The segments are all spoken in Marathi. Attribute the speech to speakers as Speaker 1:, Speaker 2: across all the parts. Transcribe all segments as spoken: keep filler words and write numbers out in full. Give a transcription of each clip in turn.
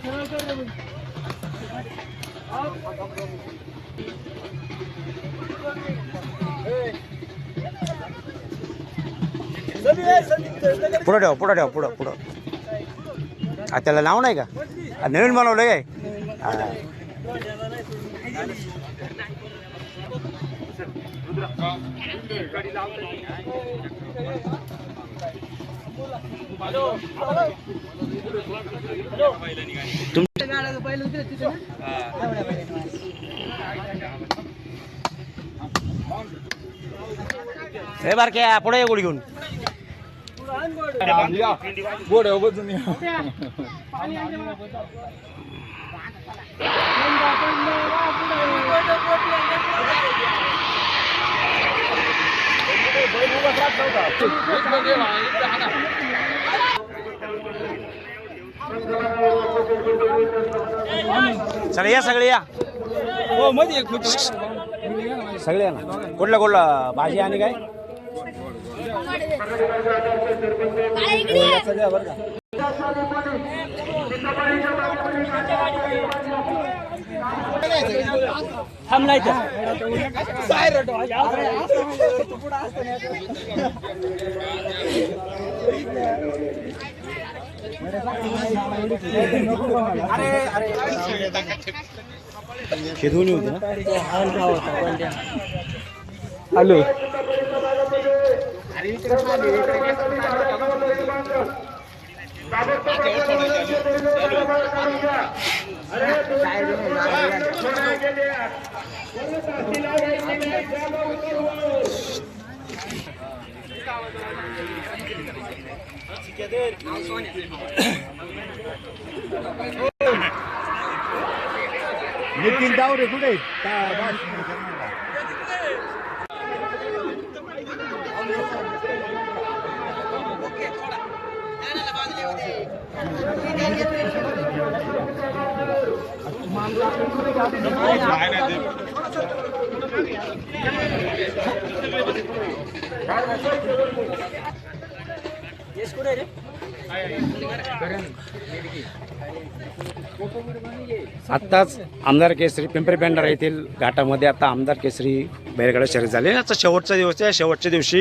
Speaker 1: पुढं ठेव पुढं ठेव पुढं पुढं त्याला नाव नाही का नवीन बनवलं काय हे बारक्या पुढे गोळी घेऊन
Speaker 2: गोड बजून
Speaker 1: चला या सगळे या
Speaker 2: हो मध्ये
Speaker 1: सगळे या ना कुठला कुठला भाजी आणि काय हे दोन्ही होते ना हॅलो नितीन डावरे कुठे आत्ताच आमदार केसरी पिंपरी पेंढारा येथील घाटामध्ये आता आमदार केसरी बैलगाडा शर्यत झाले. आजचा शेवटचा दिवस आहे. शेवटच्या दिवशी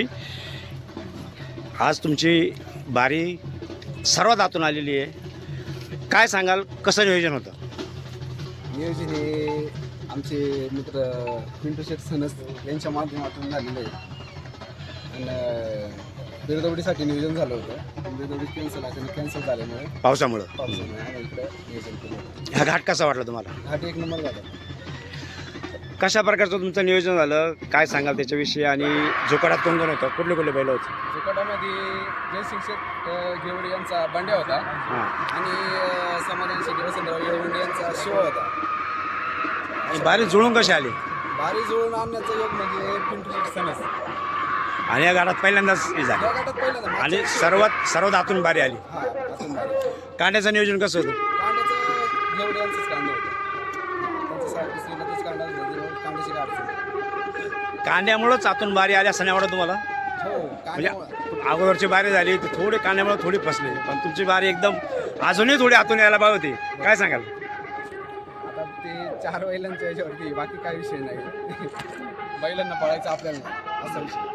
Speaker 1: आज तुमची बारी सर्वात आतून आलेली आहे. काय सांगाल, कसं नियोजन होतं?
Speaker 3: नियोजन हे आमचे मित्र पिंटू शेठ सनस यांच्या माध्यमातून झालेलं आहे. आणि बिरदवडीसाठी नियोजन झालं होतं. बिरदवडी कॅन्सल आहे, कॅन्सल झाल्यामुळे
Speaker 1: पावसामुळं
Speaker 3: पावसामुळे आम्ही इकडे नियोजन केलं.
Speaker 1: हा घाट कसा वाटला तुम्हाला?
Speaker 3: घाट एक नंबर झाला.
Speaker 1: कशा प्रकारचं तुमचं नियोजन झालं, काय सांगाल त्याच्याविषयी? आणि जोकाडात कोण कोण होतं, कुठले कुठले बैल होते?
Speaker 3: जोकाडामध्ये जयसिंग शेठ घेवडे यांचा बांड्या होता आणि समाधान शेट्टी वसंतराव येळवंडे यांचा शिव होता.
Speaker 1: आणि बारी जुळून कशी आली?
Speaker 3: बारी जुळून आणण्याचं योग म्हणजे पिंटू शेठ सनस.
Speaker 1: आणि या घाटात पहिल्यांदाच हे झालं
Speaker 3: या घाटात पहिल्यांदा
Speaker 1: आणि सर्वात सर्वात आतून बारी आली.
Speaker 3: हा आतून बारी.
Speaker 1: कांड्याचं नियोजन कसं होतं?
Speaker 3: कांड्याचं घेवडे यांचंच कांडे होतं. त्यांचं सारखी श्रीनाथच कांडा कांड्याची अडचण.
Speaker 1: कांद्यामुळंच आतून बारी आली असं नाही वाटत तुम्हाला?
Speaker 3: हो
Speaker 1: म्हणजे
Speaker 3: कांड्यामुळे
Speaker 1: अगोदरची बारी झाली तर थोडी कांद्यामुळे थोडी फसली, पण तुमची बारी एकदम अजूनही थोडी आतून यायला पाहिजे होती. काय सांगाल?
Speaker 3: आता ते चार बैलांच्या याच्यावरती, बाकी काय विषय नाही. बैलांना पळायचं आपल्याला असा विषय.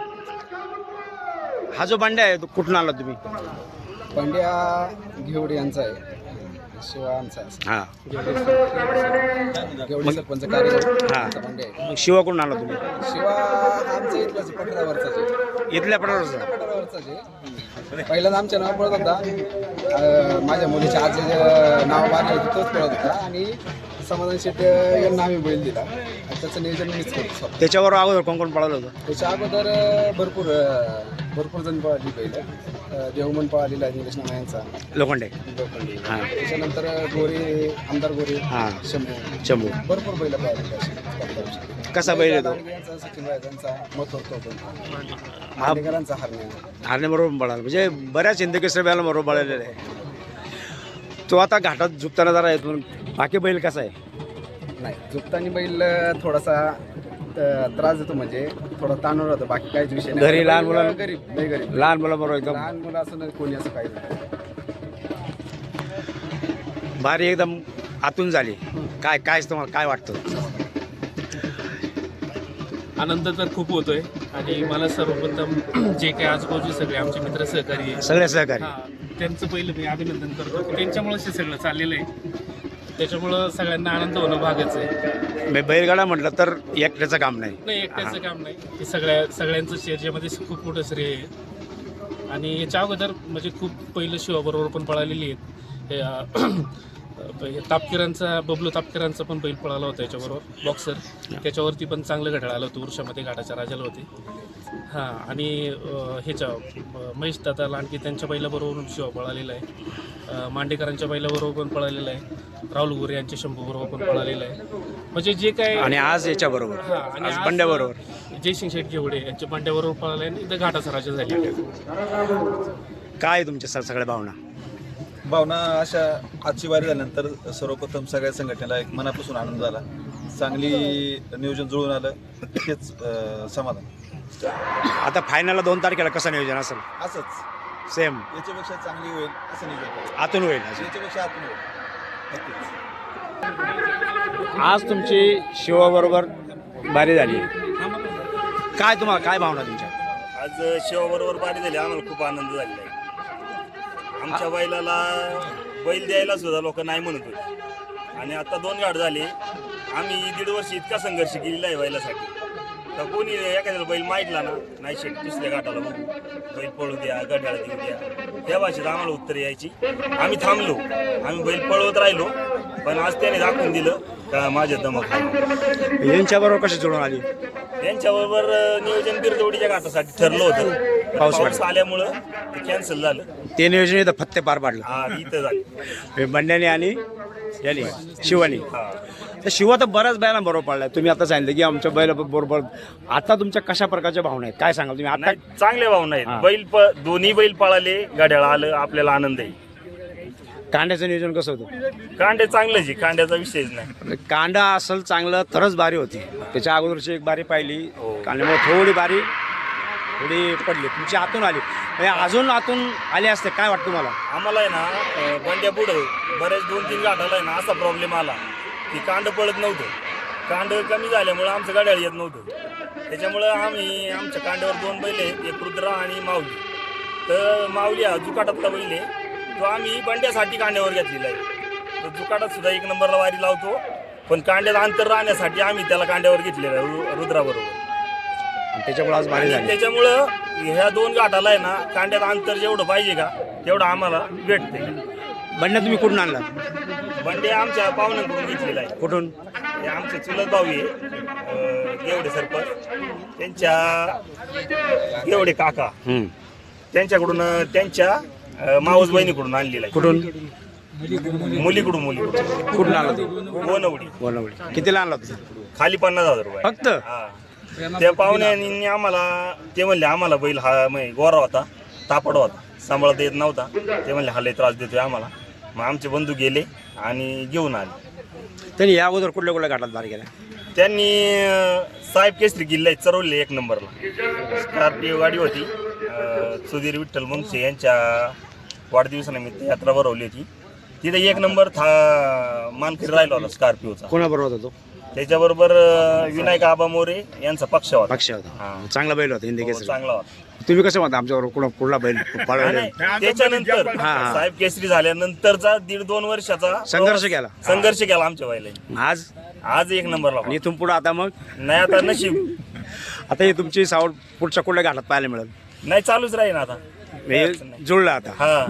Speaker 1: हा जो बांड्या आहे तो कुठून आला तुम्ही?
Speaker 3: पंड्या घेवडे यांचा आहे, शिवा आमचा आहे.
Speaker 1: हां
Speaker 3: घेवडे सरपंच कार्यक्रम
Speaker 1: हां
Speaker 3: पंड्या आहे.
Speaker 1: मग शिवा कुठून आला तुम्ही?
Speaker 3: शिवा आमचा इथलाच पठारावरचाच आहे.
Speaker 1: इथल्या पडावरचा?
Speaker 3: पठारावरचाच आहे. पहिल्यांदा आमच्या नाव पळत होता. अं, माझ्या मुलीच्या आजी नाव बांधलं होतं तोच पळत होता. आणि समाधान शेट्टी यांना आम्ही बैल दिला. त्याचं नियोजन मीच करतो.
Speaker 1: त्याच्यावर अगोदर कोण कोण पळालं होतं?
Speaker 3: त्याच्या अगोदर भरपूर भरपूर जण पळाली बैल. देवमन पळालेला आहे निलेश नामा यांचा,
Speaker 1: लोखंडे.
Speaker 3: लोखंडे.
Speaker 1: हां
Speaker 3: त्याच्यानंतर गोरे, आमदार गोरे,
Speaker 1: हां
Speaker 3: शंभू
Speaker 1: चंबू.
Speaker 3: भरपूर बैल पळाली.
Speaker 1: कसा बैल येतो?
Speaker 3: यांचा सचिन राजांचा मत होतो.
Speaker 1: हा
Speaker 3: मांडेकरांचा हरण्या.
Speaker 1: हारणे बरोबर पळाला, म्हणजे बऱ्याच हिंदकेसरी बैला बरोबर पळालेला आहे. तो आता घाटात झुकताना जरा येतो. बाकी बैल कसा आहे?
Speaker 3: नाही, झुकतानी बैल थोडासा अं, त्रास देतो, म्हणजे थोडा ताणवर होतं. बाकी काहीच विषय नाही.
Speaker 1: घरी लहान मुलांना?
Speaker 3: गरीब नाही, गरीब
Speaker 1: लहान मुलाबरोबर एकदम.
Speaker 3: लहान मुलं असं नाही, कोणी असं काही नाही.
Speaker 1: बारी एकदम आतून झाली. काय काय तुम्हाला काय वाटतं?
Speaker 4: आनंद तर खूप होतोय आणि मला सर्वप्रथम जे काही आजूबाजूचे सगळे आमचे मित्र सहकारी आहे,
Speaker 1: सगळे सहकारी
Speaker 4: हा, त्यांचं पहिलं मी अभिनंदन करतो की त्यांच्यामुळेच हे सगळं चाललेलं आहे. त्याच्यामुळं सगळ्यांना आनंद होणं भागच आहे.
Speaker 1: मी बैलगाडा म्हटलं तर एकट्याचं काम नाही.
Speaker 4: नाही एकट्याचं काम नाही, हे सगळ्या सगळ्यांचं याच्यामध्ये खूप मोठं श्रेय आहे. आणि याच्या अगोदर म्हणजे खूप पहिलं शिवाबरोबर पण पळालेली आहेत. हे, अं, हे तापकिरांचा बबलू तापकिरांचा पण बैल पळाला होता याच्याबरोबर बॉक्सर. त्याच्यावरती पण चांगलं घड्याळ आलं होतं, उर्षामध्ये घाटाच्या राजाला होते. हां आणि अं, ह्याच्या अं, महेश दादा लांडगे त्यांच्या बैलाबरोबर शिवा पळालेला आहे. अं, मांडेकरांच्या बैलाबरोबर पण पळालेला आहे. राहुल गोरे यांच्या शंभूबरोबर पण पळालेला आहे. म्हणजे जे काय
Speaker 1: आणि आज याच्या बरोबर
Speaker 4: हां आणि
Speaker 1: आज
Speaker 4: आज
Speaker 1: बंड्याबरोबर
Speaker 4: जयसिंग शेठ घेवडे यांच्या बंड्याबरोबर पळाला आहे आणि इथं घाटाचा राजा झालेला आहे.
Speaker 1: काय तुमच्या सर सगळ्या भावना?
Speaker 2: भावना अशा आजची वारी झाल्यानंतर सर्वप्रथम सगळ्या संघटनेला एक मनापासून आनंद झाला. चांगली नियोजन जुळून आलं हेच अं, समाधान.
Speaker 1: आता फायनलला दोन तारखेला कसं नियोजन असेल?
Speaker 2: असंच
Speaker 1: सेम
Speaker 2: याच्यापेक्षा चांगली होईल असं नियोजन करायचं.
Speaker 1: आतून होईल अजून.
Speaker 2: याच्यापेक्षा आतून होईल नक्कीच.
Speaker 1: आज तुमची शिवाबरोबर बारी झाली. काय तुम्हाला काय भावना तुमच्या?
Speaker 5: आज शिवाबरोबर बारी झाली, आम्हाला खूप आनंद झालेला आहे. आमच्या बैलाला बैल द्यायला सुद्धा लोक नाही म्हणत होते आणि आता दोन गाठ झाले. आम्ही दीड वर्ष इतका संघर्ष केलेला आहे बैलासाठी. तर कोणी एखाद्याला बैल माहितला ना, नाही शेट दुसऱ्या घाटाला बघू, बैल पळू द्या, गड्याला देऊ द्या, त्या भाषेत आम्हाला उत्तर यायची. आम्ही थांबलो, आम्ही बैल पळवत राहिलो, पण आज त्याने दाखवून दिलं का माझ्या दमक आहे.
Speaker 1: यांच्याबरोबर कशी जुळून आली?
Speaker 5: त्यांच्याबरोबर नियोजन बिरदवडीच्या घाटासाठी ठरलं होतं.
Speaker 1: पाऊस
Speaker 5: पाऊस आल्यामुळं ते कॅन्सल झालं.
Speaker 1: ते नियोजन इथं फत्ते पार पाडलं
Speaker 5: हा इथं झालं.
Speaker 1: बंड्याने आणि याने शिवानी.
Speaker 5: हा
Speaker 1: तर शिवा तर बऱ्याच बैलांबरोबर पडलाय. तुम्ही आता सांगितलं की आमच्या बैल बरोबर. आता तुमच्या कशा प्रकारच्या भावना आहेत काय सांगाल तुम्ही? आता
Speaker 5: नाही, चांगले भावना
Speaker 1: हा.
Speaker 5: आहेत. बैल प दोन्ही बैल पळाले, गाड्याला आलं, आपल्याला आनंद आहे.
Speaker 1: कांड्याचं नियोजन कसं होतं?
Speaker 5: कांडे चांगलेच आहे, कांड्याचा विषयच नाही.
Speaker 1: कांदा असेल चांगलं तरच बारी होती. त्याच्या अगोदरची एक बारी पाहिली,
Speaker 5: हो.
Speaker 1: कांद्यामुळे थोडी बारी थोडी पडली. तुमची आतून आली, म्हणजे अजून आतून आली असते. काय वाटतं तुम्हाला?
Speaker 5: आम्हाला आहे ना अं, बंड्या पुढं बरेच दोन तीन गाठाला आहे ना असा प्रॉब्लेम आला की कांड पळत नव्हतं. कांड कमी झाल्यामुळं आमचं गाड्याला येत नव्हतं. त्याच्यामुळं आम्ही आमच्या कांड्यावर दोन बैल आहेत, एक रुद्रा आणि माऊली. तर माऊली हा जुकाटातला बैल आहे, तो आम्ही बंड्यासाठी कांड्यावर घेतलेला आहे. तो जुकाटात सुद्धा एक नंबरला वारी लावतो, पण कांड्यात अंतर राहण्यासाठी आम्ही त्याला कांड्यावर घेतलेला आहे रु- रुद्राबरोबर.
Speaker 1: आणि त्याच्यामुळे आज बारी
Speaker 5: आणि
Speaker 1: झाली.
Speaker 5: त्याच्यामुळं ह्या दोन गाठाला आहे ना कांड्यात अंतर जेवढं पाहिजे का तेवढं आम्हाला भेटते.
Speaker 1: बंड्या तुम्ही कुठून आणला?
Speaker 5: बंडे आमच्या पाहुण्यांकडून घेतलेला आहे.
Speaker 1: कुठून?
Speaker 5: हे आमचे चुलत भाऊ आहे अं, गेवडे सरपंच, त्यांच्या गेवडे काका
Speaker 1: हम्म.
Speaker 5: त्यांच्याकडून अं, त्यांच्या अं, मावस बहिणीकडून आणलेला आहे.
Speaker 1: कुठून
Speaker 5: मुलीकडून मुलीकडून
Speaker 1: कुठून आणला तू?
Speaker 5: गोनवडी.
Speaker 1: बोलवडी. कितीला आणला तू?
Speaker 5: खाली पन्नास हजार रुपये
Speaker 1: फक्त?
Speaker 5: हा. त्या पाहुण्यांनी आम्हाला ते म्हणले आम्हाला बैल हा म्हणजे गोरा होता, तापड होता, सांभाळता येत नव्हता. ते म्हणले हा लय त्रास देतोय आम्हाला. मग आमचे बंधू गेले आणि घेऊन आले.
Speaker 1: त्यांनी या अगोदर कुठल्या कुठल्या घाटात बारी केल्या?
Speaker 5: त्यांनी अं, साहेब केसरी किल्ला चरवले एक नंबरला. स्कॉर्पिओ गाडी होती, अं, सुधीर विठ्ठल मुंगसे यांच्या वाढदिवसानिमित्त यात्रा भरवली होती. तिथे एक नंबर था मानकरी राहिला होता स्कॉर्पिओचा.
Speaker 1: कोणाबरोबर होता तो?
Speaker 5: त्याच्याबरोबर अं, विनायक आबा मोरे यांचा पक्ष होता.
Speaker 1: पक्ष होता.
Speaker 5: हा.
Speaker 1: चांगला बैल होता हिंदी
Speaker 5: हो,
Speaker 1: केसरी.
Speaker 5: चांगला होता.
Speaker 1: तुम्ही कसं म्हणता आमच्याबरोबर कुणा कुठला बैल पळवला?
Speaker 5: नाही, त्याच्यानंतर
Speaker 1: हा, हा.
Speaker 5: साहेब केसरी झाल्यानंतरचा दीड दोन वर्षाचा
Speaker 1: संघर्ष केला.
Speaker 5: संघर्ष केला आमच्या बैलांनी.
Speaker 1: आज
Speaker 5: आज एक नंबरला
Speaker 1: आणि इथून पुढे आता मग
Speaker 5: नाही आता नशीब
Speaker 1: आता हे तुमची सावड पुढच्या कुठल्या घाटात पाहायला मिळेल?
Speaker 5: नाही चालूच राहील आता.
Speaker 1: हे जुळलं आता.
Speaker 5: हा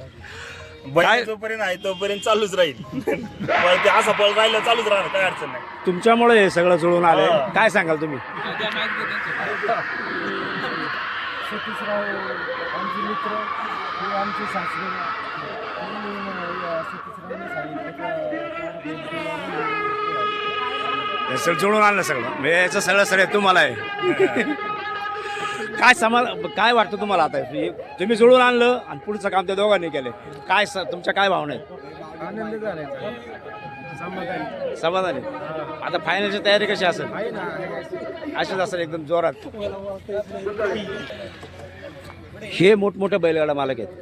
Speaker 1: काय-
Speaker 5: बैल जोपर्यंत आहे तोपर्यंत चालूच राहील. पण ते असा पळ राहिलं चालूच राहणार, काय अडचण नाही.
Speaker 1: तुमच्यामुळे हे सगळं जुळून आलंय.
Speaker 5: हा.
Speaker 1: काय सांगाल तुम्ही?
Speaker 3: सतीशराव आमचे मित्र किंवा आमचे सासरे सतीशरावने सांगितलं
Speaker 1: हे सगळं जुळून आणलं सगळं, म्हणजे याचं सगळं सगळं तुम्हाला आहे. काय समा काय वाटतं तुम्हाला आता? हे तुम्ही जुळून आणलं आणि पुढचं काम त्या दोघांनी केलं. काय स- तुमच्या काय भावना आहेत?
Speaker 3: आनंद झाला समाधानी
Speaker 1: समाधानी. आता फायनलची तयारी कशी असेल?
Speaker 3: आहे ना.
Speaker 1: अशीच असेल एकदम जोरात. हे मोठमोठे बैलगाडा मालक आहेत,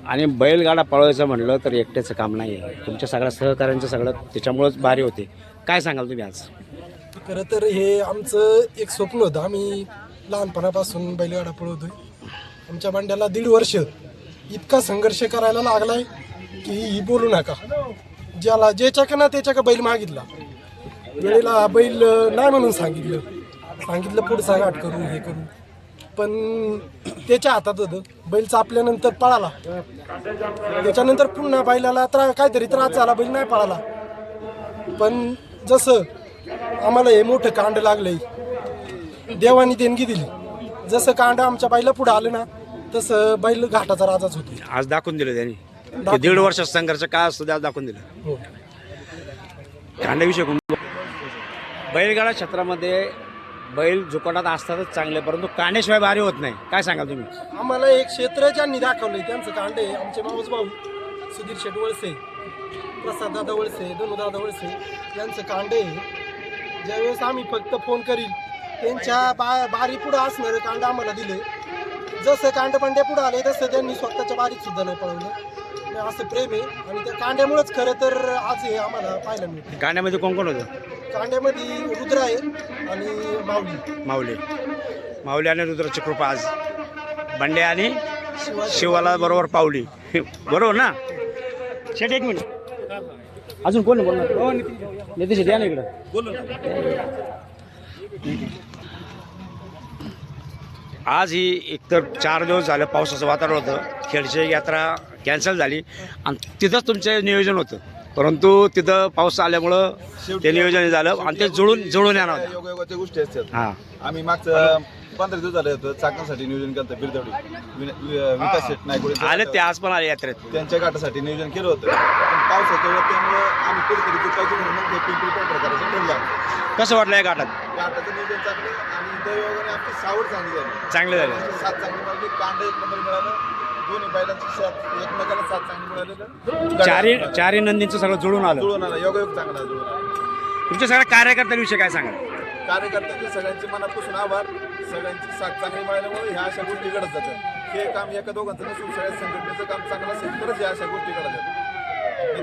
Speaker 1: आणि बैलगाडा पळवायचं म्हटलं तर एकट्याचं काम नाही आहे, तुमच्या सगळ्या सहकाऱ्यांचं सगळं त्याच्यामुळंच भारी होते. काय सांगाल तुम्ही आज?
Speaker 6: खरं तर हे आमचं एक स्वप्न होतं. आम्ही लहानपणापासून बैलगाडा पळवतोय. आमच्या बंड्याला दीड वर्ष इतका संघर्ष करायला लागलाय की ही बोलू नका. ज्याला ज्याच्याकडे ना त्याच्याकडे बैल मागितला, वेळेला बैल नाही म्हणून सांगितलं सांगितलं पुढचा गाठ करू हे करू, पण त्याच्या हातात होतं. बैल चापल्यानंतर पळाला, त्याच्यानंतर पुन्हा बैलाला त्रा काहीतरी त्रास झाला, बैल नाही पळाला. पण जसं आम्हाला हे मोठं कांड लागलंय, देवानी देणगी दिली. जसं कांड आमच्या बाईला पुढे आलं ना, तसं बैल घाटाचा राजाच होतो.
Speaker 1: आज दाखवून दिलं त्यांनी की दीड वर्षाचा संघर्ष काय असतो ते आज दाखवून दिलं.
Speaker 6: हो.
Speaker 1: कांड्याविषयी कोण- बैलगाडा क्षेत्रामध्ये बैल जुकाटात असतातच चांगले, परंतु कांड्याशिवाय भारी होत नाही. काय सांगाल तुम्ही?
Speaker 6: आम्हाला एक क्षेत्र ज्यांनी दाखवलंय त्यांचं कांड आहे. आमचे मावस भाऊ सुधीर शेट वळसे, प्रसाद दादा वळसे, धनु दादा वळसे यांचं कांड आहे. ज्यावेळेस आम्ही फक्त फोन करील त्यांच्या बा बारी पुढं असणारं कांड आम्हाला दिले. जसं कांड पंड्या पुढं आले तसं त्यांनी स्वतःच्या बारीत सुद्धा नाही पळवलं. म्हणजे असं प्रेम आहे आणि त्या कांड्यामुळेच खरं तर आज हे आम्हाला पाहायला मिळतं.
Speaker 1: कांड्यामध्ये कोण कोण होतं?
Speaker 6: कांड्यामध्ये रुद्र आहे आणि माऊली.
Speaker 1: माऊली माऊली आणि रुद्राची कृपा आज बंड्या आणि
Speaker 6: शिवाजी
Speaker 1: शिवाला बरोबर पावली. बरोबर ना? शेट एक मिनिट, अजून कोण आहे बोलणार? नितीश शेट या ना इकडं.
Speaker 5: बोलू ना.
Speaker 1: आज ही एकतर चार दिवस झालं पावसाचं वातावरण होतं, खेडची यात्रा कॅन्सल झाली आणि तिथंच तुमचं नियोजन होतं, परंतु तिथं पाऊस आल्यामुळं ते नियोजन झालं आणि ते जुळून जुळून येणार होतं.
Speaker 2: योगायोगाच्या गोष्टी असतात.
Speaker 1: हां,
Speaker 2: आम्ही मागचं पंधरा दिवस झाले होतं चाकणसाठी नियोजन केलं होतं. बिरदवडी विन- वि- विकास शेट नायकोडे
Speaker 1: आले ते आज पण आले यात्रेत.
Speaker 2: त्यांच्या गाठासाठी नियोजन केलं होतं, पण पावसाच्या वेळेत त्यामुळे आम्ही कुठेतरी चुकायचं म्हणून मग ते पिंपरी पेंढर करायचं ठरलं.
Speaker 1: कसं वाटलं या घाटात?
Speaker 2: गाठाचं नियोजन चांगलं आणि दैवाने आमची सावड चांगली झाली.
Speaker 1: चांगलं झालं.
Speaker 2: सात चांगली मिळाली, कांड एक नंबर मिळालं, दोन्ही बैलांची सात एकमेकाला सात चांगली मिळालेलं.
Speaker 1: चारी चारी नंदींचं सगळं जुळून आलं.
Speaker 2: जुळून आला, योगायोग चांगला जुळून आला.
Speaker 1: तुमच्या सगळ्या कार्यकर्त्यांविषयी काय सांगाल?
Speaker 2: कार्यकर्त्यांचे सगळ्यांचे मनापासून आभार. सगळ्यांची साथ चांगली मिळाल्यामुळे ह्या अशा गोष्टी घडत जातात. हे काम एका दोघांचं नसून सगळ्या संघटनेचं काम चांगलं असेल तरच ह्या अशा गोष्टी घडत जातात.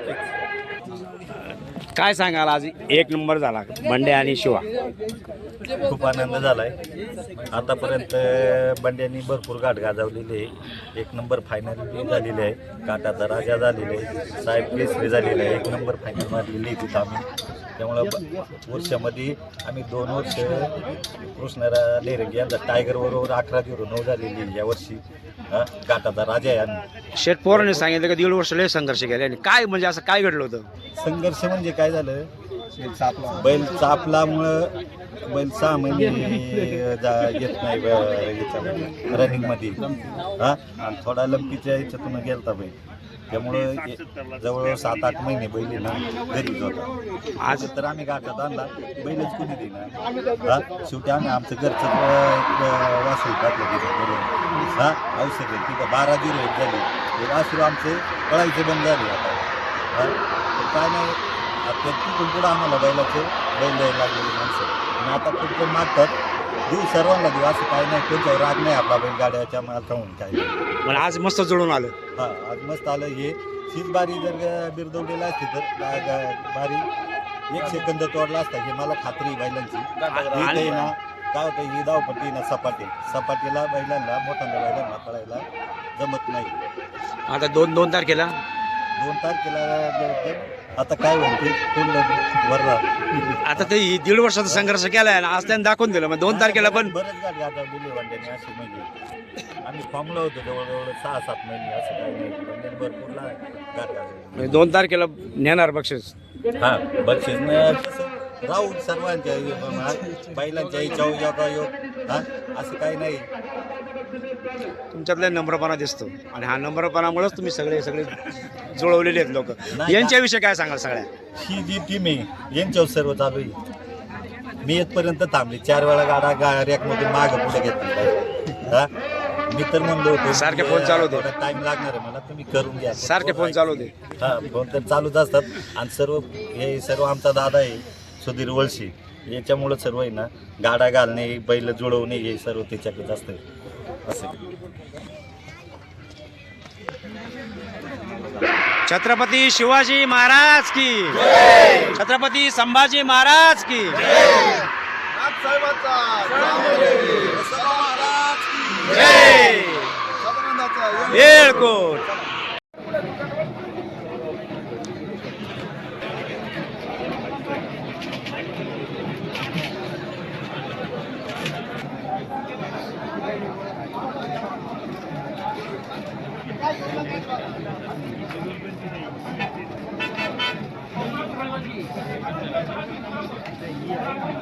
Speaker 2: नक्कीच.
Speaker 1: काय सांगाल? आज एक नंबर झाला बंड्या आणि शिवा.
Speaker 7: खूप आनंद झाला आहे. आतापर्यंत बंड्यांनी भरपूर गाठ गाजवलेली आहे. एक नंबर फायनल बी झालेली आहे. काटाचा राजा झालेला आहे. साहेब केसरी झालेला आहे. एक नंबर फायनल मारलेली आहे तिथं आम्ही. त्यामुळं ब- वर्षामध्ये आम्ही दोन वर्ष कृष्णरा लेरंगी यांचा टायगर बरोबर अकरा झिरो नऊ झालेली आहे यावर्षी. हा, काटाचा राजा आहे आम्ही.
Speaker 1: शेठ पोरांनी सांगितलं की दीड वर्ष लय संघर्ष केले आणि काय म्हणजे असं काय घडलं होतं?
Speaker 7: संघर्ष म्हणजे काय झालं, बैल चापल्यामुळं बैल सहा महिने जा येत नाही रनिंगमध्ये. हां, आणि थोडा लंपीच्या ह्याच्यातून गेलता बैल, त्यामुळं ए- जवळ सात आठ महिने बैल ना घरीच होता. आज तर आम्ही गाठात आणला, बैलच कुणी देणार. हां, शेवटी आम्ही आमचं घरचं एक वासरू टाकलं तिथं. हां, औषध आहे तिथं बारा झिरो एक झाली. हे वासरू आमचे पळायचे बंद झाले आता. हां, काय नाही, आता तिथून पुढं आम्हाला बैलाचे बैल द्यायला लागलेले माणसं आणि आता खूप जण मागतात. देऊ सर्वांना देऊ, असं काय नाही, कोणत्यावर राग नाही आपला बैलगाड्याच्या मालका म्हणून काय नाही.
Speaker 1: पण आज मस्त जुळून आलं.
Speaker 7: हां, आज मस्त आलं. हे हीच बारी जर बिरदवलेला असती तर गा- गा- बारी एक सेकंद तोडला असता, हे मला खात्री आहे बैलांची.
Speaker 1: आणि-
Speaker 7: इथे ना काय होतं, ही धावपट्टी ना सपाटी सपाटीला बैलांना मोठ्यांना बैलांना पळायला जमत नाही.
Speaker 1: आता दोन दोन तारखेला
Speaker 7: दोन तारखेला आता काय म्हणते पूर्ण वरला
Speaker 1: आता ते दीड वर्षाचा संघर्ष केलाय आणि आज त्यांनी दाखवून दिलं. मग दोन तारखेला पण
Speaker 7: बरेच गाडी आता दिली वांड्याने अशी. म्हणजे आम्ही फॉर्मला होतो जवळजवळ सहा सात महिने, असं काही नाही. वंड्याने भरपूरला गाडी गाजवली.
Speaker 1: म्हणजे दोन तारखेला नेणार बक्षीस.
Speaker 7: हा, बक्षीसनं कसं राहून सर्वांच्या योग- बैलांच्या इच्छा योगा योग. हा, असं काही नाही.
Speaker 1: तुमच्यातला नम्रपणा दिसतो आणि हा नम्रपणामुळेच तुम्ही सगळे सगळे जुळवलेले आहेत लोक.
Speaker 7: नाही,
Speaker 1: यांच्याविषयी काय सांगाल? सगळ्या
Speaker 7: ही जी टीम आहे यांच्यावर सर्व चालू आहे. मी येतपर्यंत थांबली, चार वेळा गाडा गा रॅकमधून मागं पुढे घेतली. हा, मी तर म्हणलो होतो
Speaker 1: सारखे फोन चालू होते.
Speaker 7: टाइम लागणार आहे मला, तुम्ही करून घ्या.
Speaker 1: सारखे फोन चालू होते.
Speaker 7: हा, फोन तर चालूच असतात. आणि सर्व हे सर्व आमचा दादा आहे सुधीर वळशी, याच्यामुळं सर्व आहे ना, गाडा घालणे बैल जुळवणे हे सर्व त्याच्याकडे असतं. असं
Speaker 1: छत्रपती शिवाजी महाराज की छत्रपती संभाजी महाराज की
Speaker 2: नाथसाहेबाचा वसंतराव महाराज की
Speaker 1: जय
Speaker 2: सदानंदाचा
Speaker 1: येळकोट.
Speaker 8: Thank you.